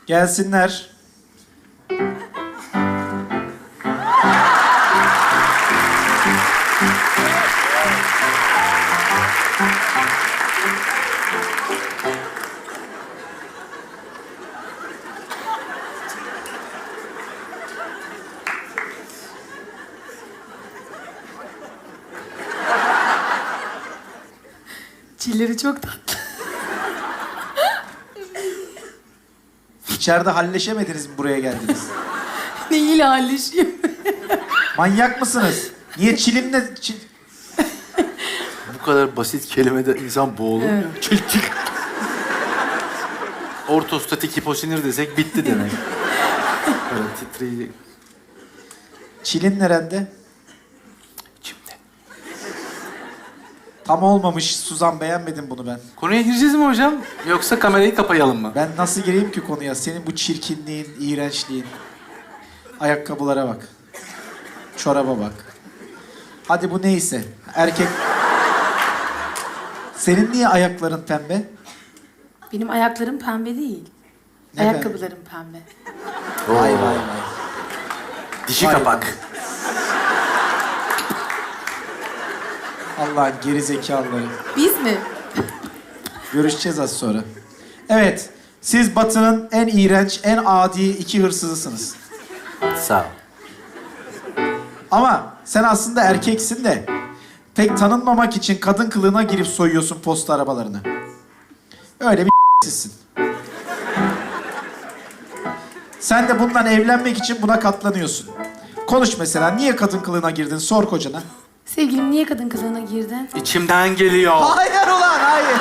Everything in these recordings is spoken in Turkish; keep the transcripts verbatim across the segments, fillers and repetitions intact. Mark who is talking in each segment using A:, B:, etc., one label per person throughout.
A: Gelsinler.
B: Çilleri çok tatlı.
A: İçeride halleşemediniz mi buraya geldiniz?
B: Neyiyle halleşiyor?
A: Manyak mısınız? Niye çilinle... Çil...
C: Bu kadar basit kelimede insan boğulur mu?
B: Evet.
C: Çiltik. Ortostatik hiposinir desek bitti demek. Böyle titreyecek.
A: Çilin nerede?
C: İçimde.
A: Tam olmamış Suzan, beğenmedim bunu ben.
C: Konuya gireceğiz mi hocam? Yoksa kamerayı kapayalım mı?
A: Ben nasıl gireyim ki konuya? Senin bu çirkinliğin, iğrençliğin. Ayakkabılara bak. Çoraba bak. Hadi bu neyse. Erkek... Senin niye ayakların pembe?
B: Benim ayaklarım pembe değil.
A: Ne
B: Ayakkabılarım pembe.
A: Vay vay vay.
C: Dişi
A: Vay
C: kapak.
A: Allah'ın gerizekalıları.
B: Biz mi?
A: Görüşeceğiz az sonra. Evet, siz Batı'nın en iğrenç, en adi iki hırsızısınız.
C: Sağ ol.
A: Ama sen aslında erkeksin de pek tanınmamak için kadın kılığına girip soyuyorsun posta arabalarını. Öyle bir sizsin. Sen de bundan evlenmek için buna katlanıyorsun. Konuş mesela, niye kadın kılığına girdin? Sor kocana.
B: Sevgilim niye kadın kılığına girdin?
C: İçimden geliyor.
A: Hayır ulan, hayır.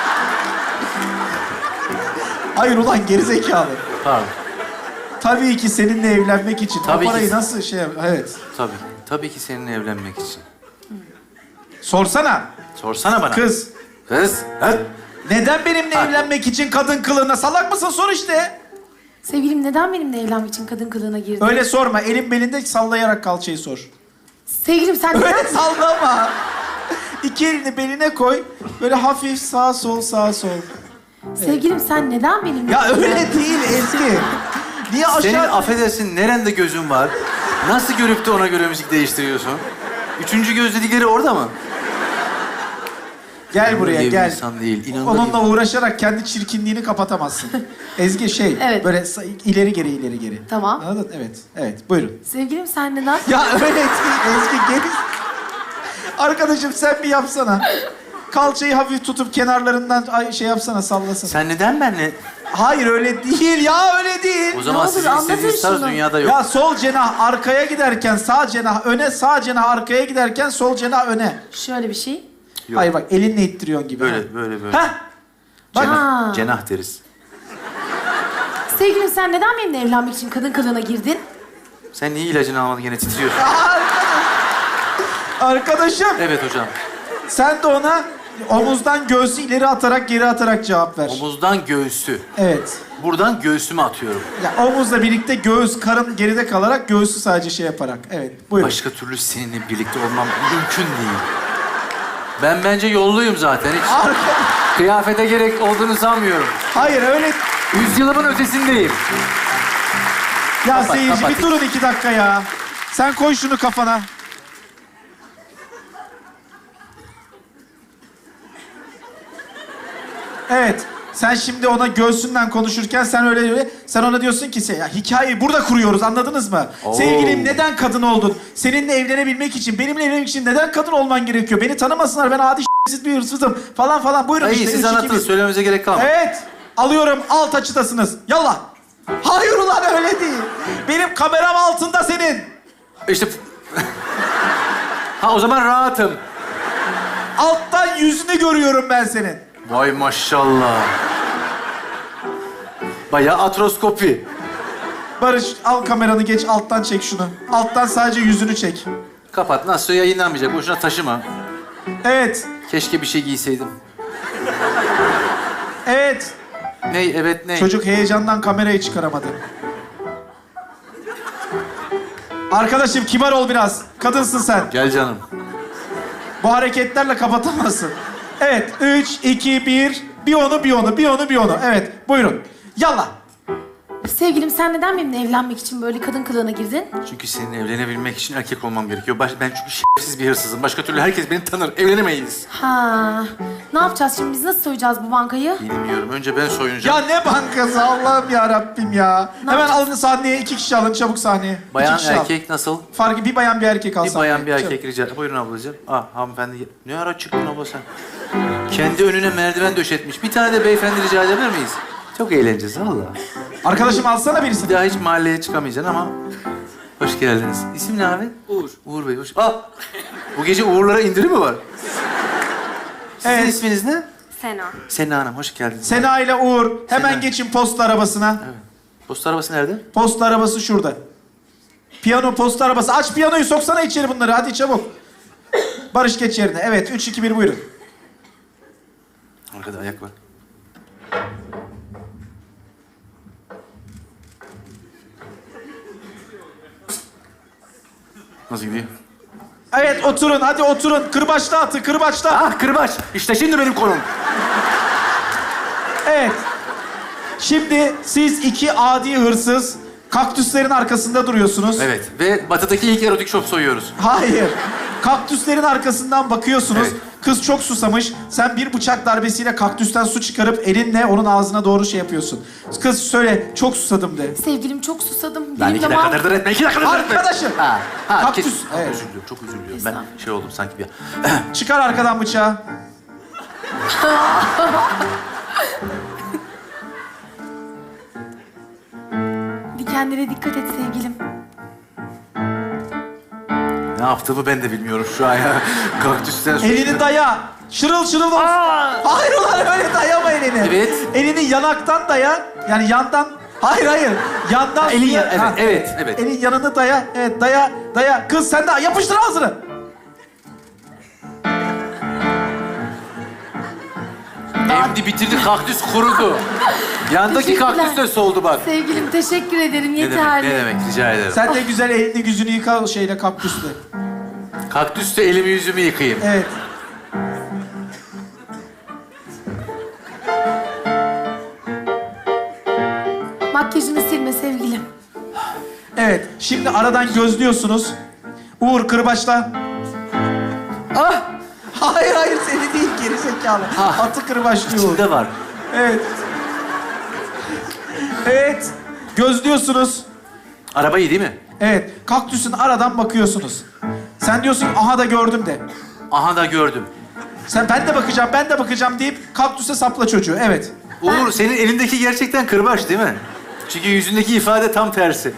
A: Hayır ulan, gerizekalı.
C: Pardon.
A: Tabii ki seninle evlenmek için.
C: Tabii
A: o parayı
C: ki.
A: nasıl şey... Evet.
C: Tabii. Tabii ki seninle evlenmek için.
A: Sorsana.
C: Sorsana bana.
A: Kız.
C: Kız. Ha?
A: Neden benimle
C: Ha.
A: evlenmek için kadın kılığına? Salak mısın? Sor işte.
B: Sevgilim neden benimle evlenmek için kadın kılığına girdin?
A: Öyle sorma. Elin belinde sallayarak kalçayı sor.
B: Sevgilim sen neden...
A: Öyle sallama. İki elini beline koy. Böyle hafif sağ sol sağ sol.
B: Sevgilim sen neden benimle...
A: Ya öyle değil Ezgi. Niye aşağı...
C: Senin affedersin nerende gözün var? Nasıl görüp de ona göre müzik değiştiriyorsun? Üçüncü göz dedikleri orada mı?
A: Gel buraya
C: Öyle bir
A: gel.
C: insan değil. İnanılır
A: Onunla
C: gibi.
A: uğraşarak kendi çirkinliğini kapatamazsın. Ezgi şey,
B: Evet.
A: böyle sa- ileri geri ileri geri.
B: Tamam.
A: Anladın? Evet, evet. Buyurun.
B: Sevgilim sen neden...
A: Ya öyle değil Ezgi, geri... Arkadaşım sen bir yapsana. Kalçayı hafif tutup kenarlarından ay- şey yapsana, sallasana.
C: Sen neden benle...
A: Hayır öyle değil ya, öyle değil.
C: O zaman
B: olur,
C: sizin
B: anlatın
C: istediğiniz tarz
B: şunu.
C: dünyada yok.
A: Ya sol cenah arkaya giderken sağ cenah öne, sağ cenah arkaya giderken sol cenah öne.
B: Şöyle bir şey.
C: Yok.
A: Hayır bak, elinle ittiriyorsun gibi.
C: Böyle,
A: Ha.
C: böyle, böyle.
A: Hah! Bak.
C: Cenah,
B: Ha.
C: cenah deriz.
B: Sevgilim sen neden benimle evlenmek için kadın kılığına girdin?
C: Sen niye ilacını almadın gene titriyorsun?
A: Arkadaşım
C: Evet hocam.
A: sen de ona omuzdan göğsü ileri atarak geri atarak cevap ver.
C: Omuzdan göğsü.
A: Evet.
C: Buradan göğsüme atıyorum.
A: Ya omuzla birlikte göğüs, karın geride kalarak göğsü sadece şey yaparak. Evet, buyurun.
C: Başka türlü seninle birlikte olmam mümkün değil. Ben bence yolluyum zaten. Hiç
A: Arka...
C: kıyafete gerek olduğunu sanmıyorum.
A: Hayır öyle...
C: Yüzyılımın ötesindeyim.
A: Ya
C: Kapat,
A: seyirci
C: kapat.
A: bir durun iki dakika ya. Sen koy şunu kafana. Evet. Sen şimdi ona göğsünden konuşurken sen öyle öyle sen ona diyorsun ki ya hikayeyi burada kuruyoruz, anladınız mı?
C: Oo.
A: Sevgilim neden kadın oldun? Seninle evlenebilmek için, benimle evlenmek için neden kadın olman gerekiyor? Beni tanımasınlar, ben adi s**siz bir hırsızım falan falan. Buyurun
C: İyi
A: işte.
C: siz
A: üç, iki,
C: anlatın.
A: bir.
C: Söylememize gerek kalmadı.
A: Evet. Alıyorum, alt açıdasınız. Yallah. Hayır ulan öyle değil. Benim kameram altında senin.
C: İşte... ha o zaman rahatım.
A: Alttan yüzünü görüyorum ben senin.
C: Vay maşallah. Bayağı atroskopi.
A: Barış al kameranı, geç alttan çek şunu. Alttan sadece yüzünü çek.
C: Kapat. Nasıl yayınlanmayacak? Boşuna taşıma.
A: Evet.
C: Keşke bir şey giyseydim.
A: Evet.
C: Ney? Evet ney?
A: Çocuk heyecandan kamerayı çıkaramadı. Arkadaşım kibar ol biraz. Kadınsın sen.
C: Gel canım.
A: Bu hareketlerle kapatamazsın. Evet. Üç, iki, bir. Bir onu, bir onu, bir onu, bir onu. Evet. Buyurun. Yallah.
B: Sevgilim sen neden benimle evlenmek için böyle kadın kılığına girdin?
C: Çünkü senin evlenebilmek için erkek olmam gerekiyor. Baş, ben çünkü şerefsiz bir hırsızım. Başka türlü herkes beni tanır. Evlenemeyiz.
B: Ha. Ne yapacağız şimdi? Biz nasıl soyacağız bu bankayı?
C: Bilmiyorum. Önce ben soyunacağım.
A: Ya ne bankası Allah'ım ya Rabbim ya.
B: Ne
A: Hemen
B: yapacağız?
A: alın sahneye, iki kişi alın çabuk sahneye.
C: Bayan
A: İki kişi al.
C: erkek nasıl?
A: Farkı bir bayan bir erkek al
C: Bir
A: sahneye.
C: bayan bir erkek
A: Çabuk.
C: rica. Buyurun ablacığım. Ah hanımefendi. Ne ara çıktın abla sen? Kendi önüne merdiven döşetmiş. Bir tane de beyefendi rica edebilir miyiz? Çok eğleneceğiz valla.
A: Arkadaşım alsana birisi.
C: Bir daha hiç mahalleye çıkamayacaksın ama... Hoş geldiniz. İsim ne abi? Uğur. Uğur Bey hoş... Ah! Bu gece Uğurlara indirim mi var? Sizin
A: Evet.
C: isminiz ne?
D: Sena.
C: Sena Hanım, hoş geldiniz.
A: Sena ile Uğur hemen
C: Sena.
A: geçin posta arabasına.
C: Evet. Posta arabası nerede?
A: Posta arabası şurada. Piyano posta arabası. Aç piyanoyu soksana içeri bunları hadi çabuk. Barış geç yerine. Evet üç iki bir buyurun.
C: Arkada ayak var. Nasıl gidiyor?
A: Evet oturun hadi oturun. Kırbaçla atı kırbaçla.
C: Ah kırbaç! İşte şimdi benim konum.
A: Evet. Şimdi siz iki adi hırsız kaktüslerin arkasında duruyorsunuz.
C: Evet ve batıdaki ilk erotik shop soyuyoruz.
A: Hayır. Kaktüslerin arkasından bakıyorsunuz.
C: Evet.
A: Kız çok susamış. Sen bir bıçak darbesiyle kaktüsten su çıkarıp elinle onun ağzına doğru şey yapıyorsun. Kız söyle çok susadım de.
B: Sevgilim çok susadım.
C: Lan
B: Dilim
C: iki dakika
B: damağım-
C: dırdır etme, iki dakika dırdır etme.
A: Arkadaşım.
C: Ha, ha,
A: Kaktüs,
C: kes- Ha,
A: evet.
C: Özür diliyorum, çok özür diliyorum. Ben
B: Estağfurullah.
C: şey oldum sanki bir...
A: Çıkar arkadan bıçağı.
B: Dikenlere dikkat et sevgilim.
C: Ne yaptığımı ben de bilmiyorum şu an ya. Kaktüsten su
A: Elini
C: çıkıyor.
A: daya. Şırıl şırıl olsun. Hayır ulan öyle dayama elini.
C: Evet.
A: Elini yanaktan daya. Yani yandan. Hayır hayır. Yandan.
C: Elin
A: suya-
C: ya- evet,
A: Ha.
C: evet, evet.
A: Elin yanını daya. Evet daya daya. Kız sen de yapıştır ağzını.
C: Emdi bitirdi, kaktüs kurudu. Yandaki
B: Teşekkürler.
C: kaktüs de soldu bak.
B: Sevgilim teşekkür ederim
C: Ne demek,
B: yeterli.
C: ne demek, rica ederim.
A: Sen de güzel elini yüzünü yıka şeyle kaktüsle.
C: Kaktüste elimi yüzümü yıkayayım.
A: Evet.
B: Makyajını silme sevgilim.
A: Evet. Şimdi aradan gözlüyorsunuz. Uğur kırbaçla.
C: Ah!
A: Hayır hayır seni değil geri zekalı.
C: Ah.
A: Atı kırbaçlıyor Uğur.
C: İçinde var.
A: Evet. Evet. Gözlüyorsunuz.
C: Araba iyi değil mi?
A: Evet. Kaktüsün aradan bakıyorsunuz. Sen diyorsun ki, aha da gördüm de.
C: Aha da gördüm.
A: Sen ben de bakacağım, ben de bakacağım deyip kaktüse sapla çocuğu. Evet.
C: Uğur, senin elindeki gerçekten kırbaç değil mi? Çünkü yüzündeki ifade tam tersi.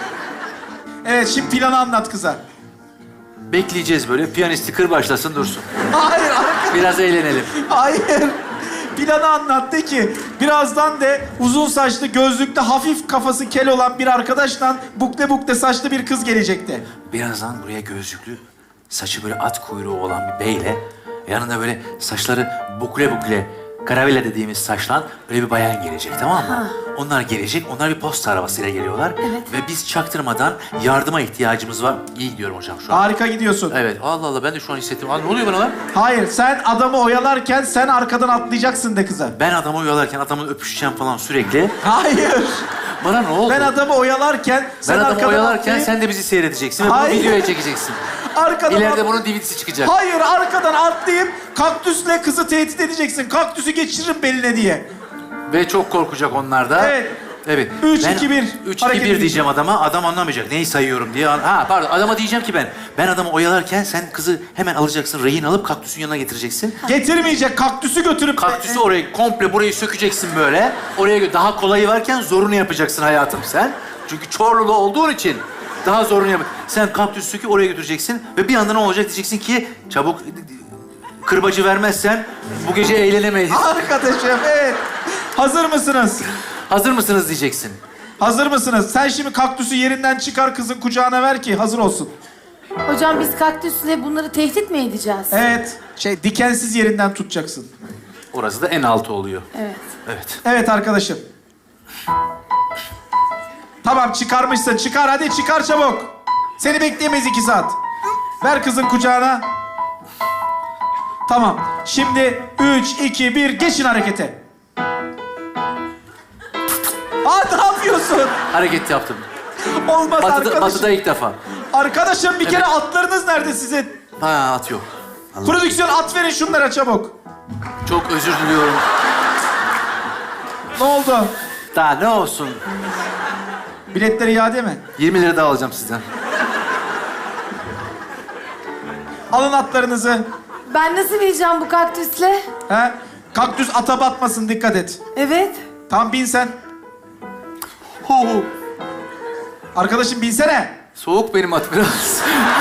A: Evet şimdi planı anlat kıza.
C: Bekleyeceğiz böyle, piyanisti kırbaçlasın dursun.
A: Hayır, arka...
C: Biraz eğlenelim.
A: Hayır. Planı anlat de ki birazdan de uzun saçlı, gözlüklü, hafif kafası kel olan bir arkadaşla bukle bukle saçlı bir kız gelecekti.
C: Birazdan buraya gözlüklü, saçı böyle at kuyruğu olan bir beyle, yanında böyle saçları bukle bukle, karavela dediğimiz saçlan böyle bir bayan gelecek, tamam mı? Onlar gelecek, onlar bir posta arabasıyla geliyorlar.
B: Evet.
C: Ve biz çaktırmadan yardıma ihtiyacımız var. İyi gidiyorum hocam şu an.
A: Harika gidiyorsun.
C: Evet, Allah Allah ben de şu an hissettim. Aa, ne oluyor bana lan?
A: Hayır, sen adamı oyalarken sen arkadan atlayacaksın de kıza.
C: Ben adamı oyalarken adamın öpüşeceğim falan sürekli.
A: Hayır.
C: Bana ne oldu?
A: Ben adamı oyalarken sen
C: Ben adamı
A: arkadan
C: oyalarken
A: atlayıp-
C: sen de bizi seyredeceksin ve bunu
A: Hayır.
C: videoya çekeceksin.
A: arkadan
C: İleride
A: at-
C: bunun D V D'si çıkacak.
A: Hayır, arkadan atlayıp kaktüsle kızı tehdit edeceksin. Kaktüsü geçiririm beline diye.
C: Ve çok korkacak onlar da.
A: Evet.
C: Evet.
A: Üç,
C: Ben
A: iki, bir.
C: Üç, iki,
A: Hareket
C: bir diyeceğim adama. Adam anlamayacak. Neyi sayıyorum diye. Ha pardon. Adama diyeceğim ki ben. Ben adamı oyalarken sen kızı hemen alacaksın. Rehin alıp kaktüsün yanına getireceksin.
A: Getirmeyecek, kaktüsü götürüp...
C: Kaktüsü orayı komple burayı sökeceksin böyle. Oraya gö- daha kolayı varken zorunu yapacaksın hayatım sen. Çünkü Çorlulu olduğun için daha zorunu yap. Sen kaktüsü söküp oraya götüreceksin ve bir anda ne olacak diyeceksin ki çabuk kırbacı vermezsen bu gece eğlenemeyiz.
A: Arkadaşım, evet. Hazır mısınız?
C: Hazır mısınız diyeceksin.
A: Hazır mısınız? Sen şimdi kaktüsü yerinden çıkar kızın kucağına ver ki hazır olsun.
B: Hocam biz kaktüsle bunları tehdit mi edeceğiz?
A: Evet. Şey dikensiz yerinden tutacaksın.
C: Orası da en altı oluyor.
B: Evet.
C: Evet.
A: Evet arkadaşım. Tamam çıkarmışsın. Çıkar hadi çıkar çabuk. Seni bekleyemeyiz iki saat. Ver kızın kucağına. Tamam. Şimdi üç, iki, bir geçin harekete. Aa ne yapıyorsun? yapıyorsun?
C: Hareket yaptım.
A: Olmaz
C: Batıda,
A: arkadaşım.
C: batıda ilk defa.
A: Arkadaşım bir kere
C: Evet.
A: atlarınız nerede sizin?
C: Ha at yok. Allah.
A: Prodüksiyon at verin şunlara çabuk.
C: Çok özür diliyorum.
A: Ne oldu?
C: Daha ne olsun?
A: Biletleri iade mi?
C: yirmi lira daha alacağım sizden.
A: Alın atlarınızı.
B: Ben nasıl bineceğim bu kaktüsle?
A: He? Kaktüs ata batmasın, dikkat et.
B: Evet.
A: Tam bin sen.
C: Hu hu.
A: Arkadaşım binsene.
C: Soğuk benim at biraz.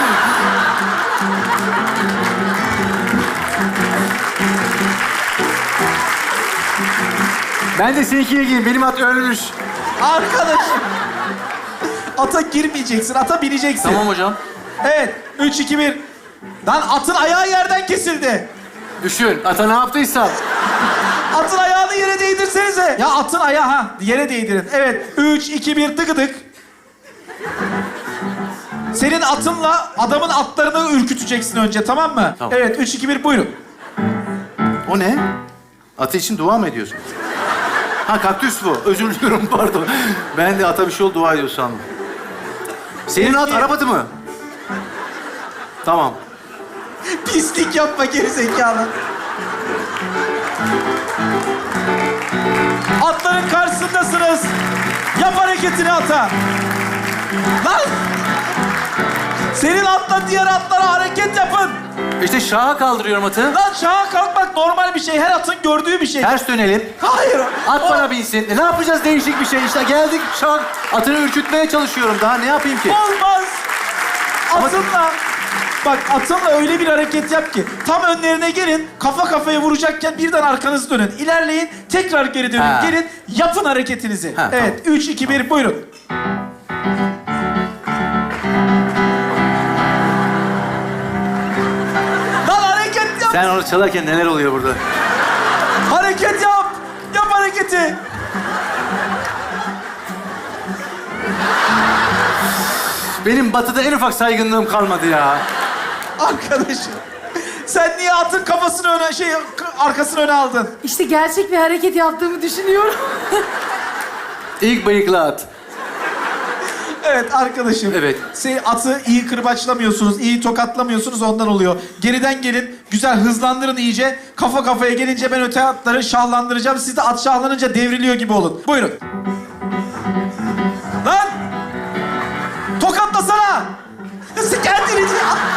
C: Ben de seninkine gireyim. Benim at ölmüş.
A: Arkadaşım. Ata girmeyeceksin, ata bineceksin.
C: Tamam hocam.
A: Evet, üç, iki, bir. Lan atın ayağı yerden kesildi.
C: Düşün. Ata ne yaptıysa.
A: Atın ayağını yere değdirsenize. Ya atın ayağı ha, yere değdirin. Evet, üç, iki, bir, tıkıdık. Senin atınla adamın atlarını ürküteceksin önce, tamam mı?
C: Tamam.
A: Evet, üç, iki, bir, buyurun.
C: O ne? Atı için dua mı ediyorsun? Ha kaktüs bu. Özür diliyorum pardon. Ben de ata bir şey oldu dua ediyor sandım. Senin at
A: Peki.
C: Arap atı mı? Tamam.
A: Pislik yapma gerizekalı. Atların karşısındasınız. Yap hareketini ata. Lan! Senin atla diğer atlara hareket yapın.
C: İşte şaha kaldırıyorum atı.
A: Lan şaha kalkmak normal bir şey. Her atın gördüğü bir şey.
C: Ters dönelim.
A: Hayır.
C: At
A: O-
C: bana binsin. E, ne yapacağız değişik bir şey? İşte geldik şak. Atını ürkütmeye çalışıyorum. Daha ne yapayım ki?
A: Olmaz. Atınla. Bak atınla öyle bir hareket yap ki tam önlerine gelin, kafa kafaya vuracakken birden arkanızı dönün. İlerleyin, tekrar geri dönün.
C: Ha.
A: Gelin, yapın hareketinizi.
C: Ha,
A: evet, üç, iki, bir, buyurun. Lan hareket yap!
C: Sen onu çalarken neler oluyor burada?
A: Hareket yap! Yap hareketi!
C: Benim batıda en ufak saygınlığım kalmadı ya.
A: Arkadaşım, sen niye atın kafasını öne, şey, arkasını öne aldın?
B: İşte gerçek bir hareket yaptığımı düşünüyorum.
C: İlk bıyıklı at.
A: Evet arkadaşım.
C: Evet.
A: Sen atı iyi kırbaçlamıyorsunuz, iyi tokatlamıyorsunuz ondan oluyor. Geriden gelin, güzel hızlandırın iyice. Kafa kafaya gelince ben öte atları şahlandıracağım. Siz de at şahlanınca devriliyor gibi olun. Buyurun. Lan! Tokatlasana! Kendini...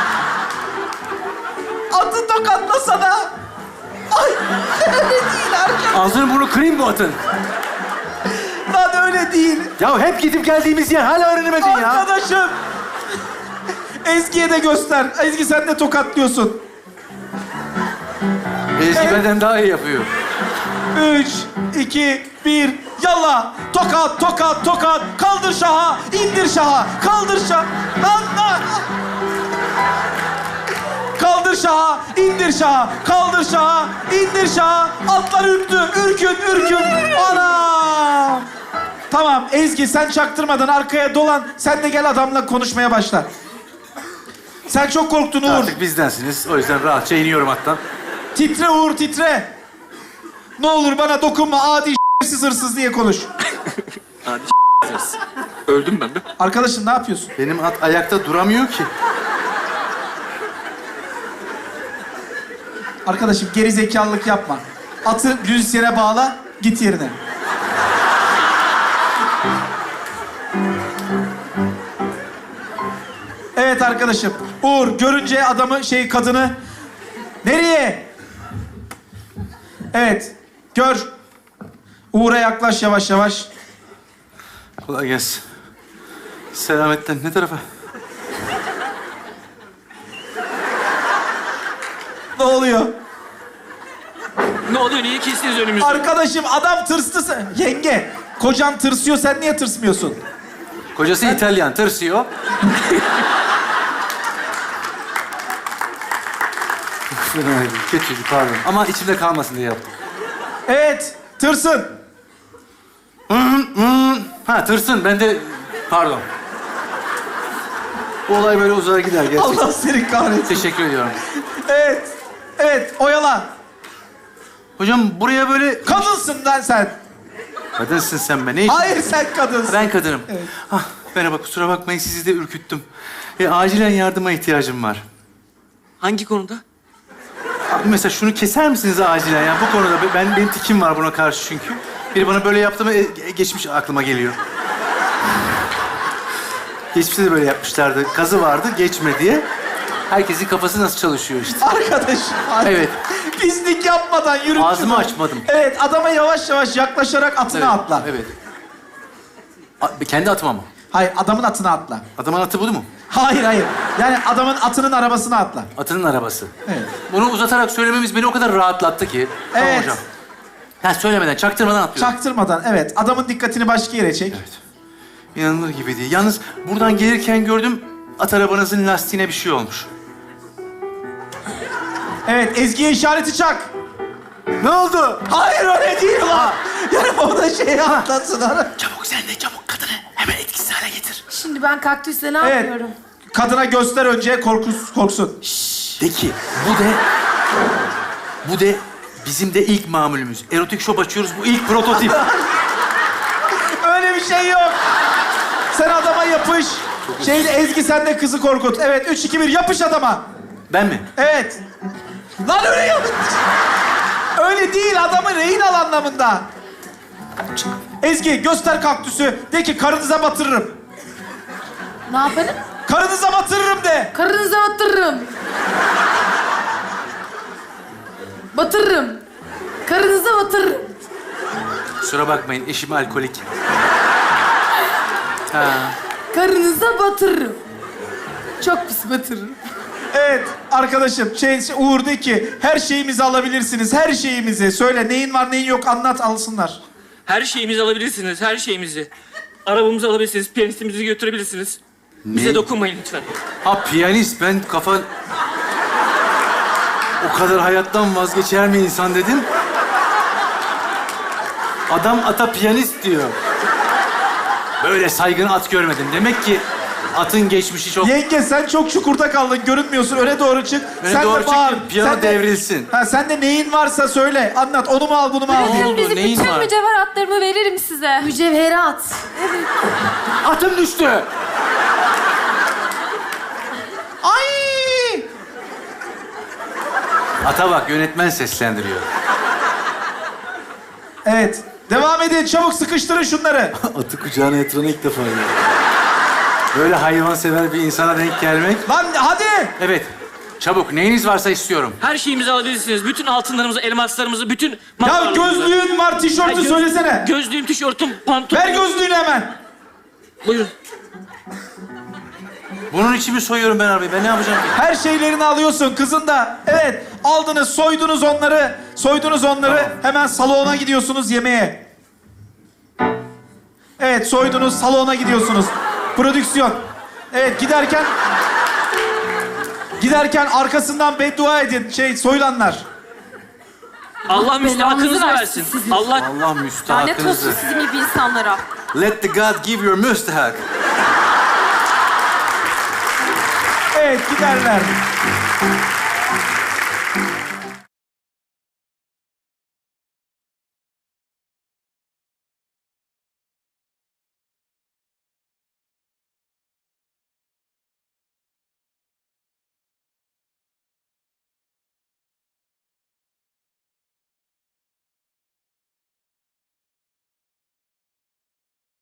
A: Atı tokatlasana! Ay! Öyle değil arkadaşım.
C: Ağzını bunu kırayım bu atın.
A: Lan öyle değil.
C: Ya hep gidip geldiğimiz yer hala öğrenemedin ya.
A: Arkadaşım! Ezgi'ye de göster. Ezgi sen de tokatlıyorsun.
C: Ezgi
A: Evet.
C: benden daha iyi yapıyor.
A: Üç, iki, bir, yalla! Tokat, tokat, tokat! Kaldır şaha, indir şaha! Kaldır şaha! Lan lan! Kaldır şaha, indir şaha! Kaldır şaha, indir şaha! Atlar ürktü, ürkün, ürkün! Anam! Tamam, Ezgi sen çaktırmadan arkaya dolan. Sen de gel adamla konuşmaya başla. Sen çok korktun Uğur.
C: Artık bizdensiniz. O yüzden rahatça iniyorum hattan.
A: Titre Uğur, titre! Ne olur bana dokunma, adi s**siz hırsız diye konuş.
D: Öldüm ben de.
A: Arkadaşım ne yapıyorsun?
C: Benim at ayakta duramıyor ki.
A: Arkadaşım geri zekalılık yapma. Atı düz yere bağla, git yerine. Evet arkadaşım. Uğur görünce adamı, şey kadını... Nereye? Evet. Gör. Uğur'a yaklaş yavaş yavaş.
C: Kolay gelsin. Selametten ne tarafa?
A: Ne oluyor?
D: Ne oluyor? Niye kestiniz önümüzde?
A: Arkadaşım adam tırstı. sen- Yenge, kocan tırsıyor, sen niye tırsmıyorsun?
C: Kocası İtalyan, tırsıyor. Kötüydü, pardon. Ama içimde kalmasın diye yaptım.
A: Evet, tırsın.
C: Ha, tırsın. Ben de... Pardon. Bu olay böyle uzar gider gerçekten.
A: Allah seni kahretsin.
C: Teşekkür ediyorum.
A: Evet, evet, oyala.
C: Hocam buraya böyle...
A: Kadınsın lan sen.
C: Kadınsın sen be. Ne işin?
A: Hayır sen kadınsın.
C: Ben kadınım. Ah, merhaba, kusura bakmayın sizi de ürküttüm. E, acilen yardıma ihtiyacım var.
D: Hangi konuda?
C: Abi mesela şunu keser misiniz acilen ya? Bu konuda ben benim tikim var buna karşı çünkü. Biri bana böyle yaptı mı e, e, geçmiş aklıma geliyor. Geçmişte de böyle yapmışlardı. Kazı vardı geçme diye. Herkesin kafası nasıl çalışıyor işte.
A: Arkadaş.
C: Evet.
A: Pislik yapmadan yürü.
C: Ağzımı açmadım.
A: Evet, adama yavaş yavaş yaklaşarak atına
C: Evet,
A: atla.
C: Evet. A- kendi atıma mı?
A: Hayır, adamın atına atla.
C: Adamın atı bu mu?
A: Hayır, hayır. Yani adamın atının arabasına atla.
C: Atının arabası.
A: Evet.
C: Bunu uzatarak söylememiz beni o kadar rahatlattı ki. Tamam
A: Evet.
C: hocam. Ha söylemeden, çaktırmadan atlıyorum.
A: Çaktırmadan, evet. Adamın dikkatini başka yere çek.
C: Evet. İnanılır gibi değil. Yalnız buradan gelirken gördüm at arabanızın lastiğine bir şey olmuş.
A: Evet, Ezgi'ye işareti çak.
C: Ne oldu?
A: Hayır, öyle değil lan. Yani o da şeyi atlasın.
C: Çabuk sen de çabuk kadını hemen etkisiz hale getir.
B: Şimdi ben kaktüsle ne
A: Evet.
B: yapıyorum?
A: Kadına göster önce, korkus, korksun.
C: De ki bu de... Bu de bizim de ilk mamulümüz. Erotik shop açıyoruz. Bu ilk prototip.
A: Öyle bir şey yok. Sen adama yapış. Şeyde Ezgi sen de kızı korkut. Evet, üç, iki, bir yapış adama.
C: Ben mi?
A: Evet. Lan öyle yap. Öyle değil, adamı rehin al anlamında. Ezgi göster kaktüsü. De ki karınıza batırırım.
B: Ne yaparım?
A: Karınıza batırırım de.
B: Karınıza batırırım. Batırırım. Karınıza batırırım.
C: Kusura bakmayın eşim alkolik. Ha.
B: Karınıza batırırım. Çok pis batırırım.
A: Evet arkadaşım, şey, şey, Uğur de ki her şeyimizi alabilirsiniz. Her şeyimizi. Söyle neyin var neyin yok anlat alsınlar.
D: Her şeyimizi alabilirsiniz, her şeyimizi. Arabamızı alabilirsiniz, piyanistimizi götürebilirsiniz. Bize
C: Ne?
D: dokunmayın lütfen.
C: Ha piyanist ben kafa... O kadar hayattan vazgeçer mi insan dedim. Adam ata piyanist diyor. Böyle saygın at görmedim. Demek ki atın geçmişi çok...
A: Yenge sen çok çukurda kaldın, görünmüyorsun. Öne doğru çık.
C: Öne
A: sen
C: doğru
A: de
C: çık
A: bağır.
C: ki piyano
A: Sen de-
C: devrilsin.
A: Ha, sen de neyin varsa söyle. Anlat. Onu mu al, bunu mu al?
C: Ne
A: diye.
C: oldu?
E: Bizi
C: Neyin
E: bütün
C: var?
E: mücevheratlarımı veririm size.
B: Mücevherat.
C: Atım düştü.
A: Ay!
C: Ata bak yönetmen seslendiriyor.
A: Evet. Devam edin. Çabuk sıkıştırın şunları.
C: Atı kucağına yatıran ilk defa gördüm. Böyle hayvansever bir insana denk gelmek.
A: Lan hadi.
C: Evet. Çabuk neyiniz varsa istiyorum.
D: Her şeyimizi alabilirsiniz. Bütün altınlarımızı, elmaslarımızı, bütün...
A: Ya
D: mallarımızı.
A: gözlüğün var, tişörtü
D: Ha, göz-
A: söylesene.
D: Gözlüğüm, tişörtüm, pantolonum.
A: Ver gözlüğünü hemen.
D: Buyurun.
C: Bunun için mi soyuyorum ben arabayı? Ben ne yapacağım ki?
A: Her şeylerini alıyorsun kızın da. Evet. Aldınız, soydunuz onları. Soydunuz onları.
C: Tamam.
A: Hemen salona gidiyorsunuz yemeğe. Evet, soydunuz, salona gidiyorsunuz. Prodüksiyon. Evet, giderken... Giderken arkasından beddua edin. Şey, soyulanlar.
D: Allah müstahakınızı
E: belanızı
D: versin.
E: versin sizin.
D: Allah...
C: Allah
E: Lanet olsun
C: müstahakınızı.
E: sizin gibi insanlara.
C: Let the God give your müstahak.
A: Evet, giderler.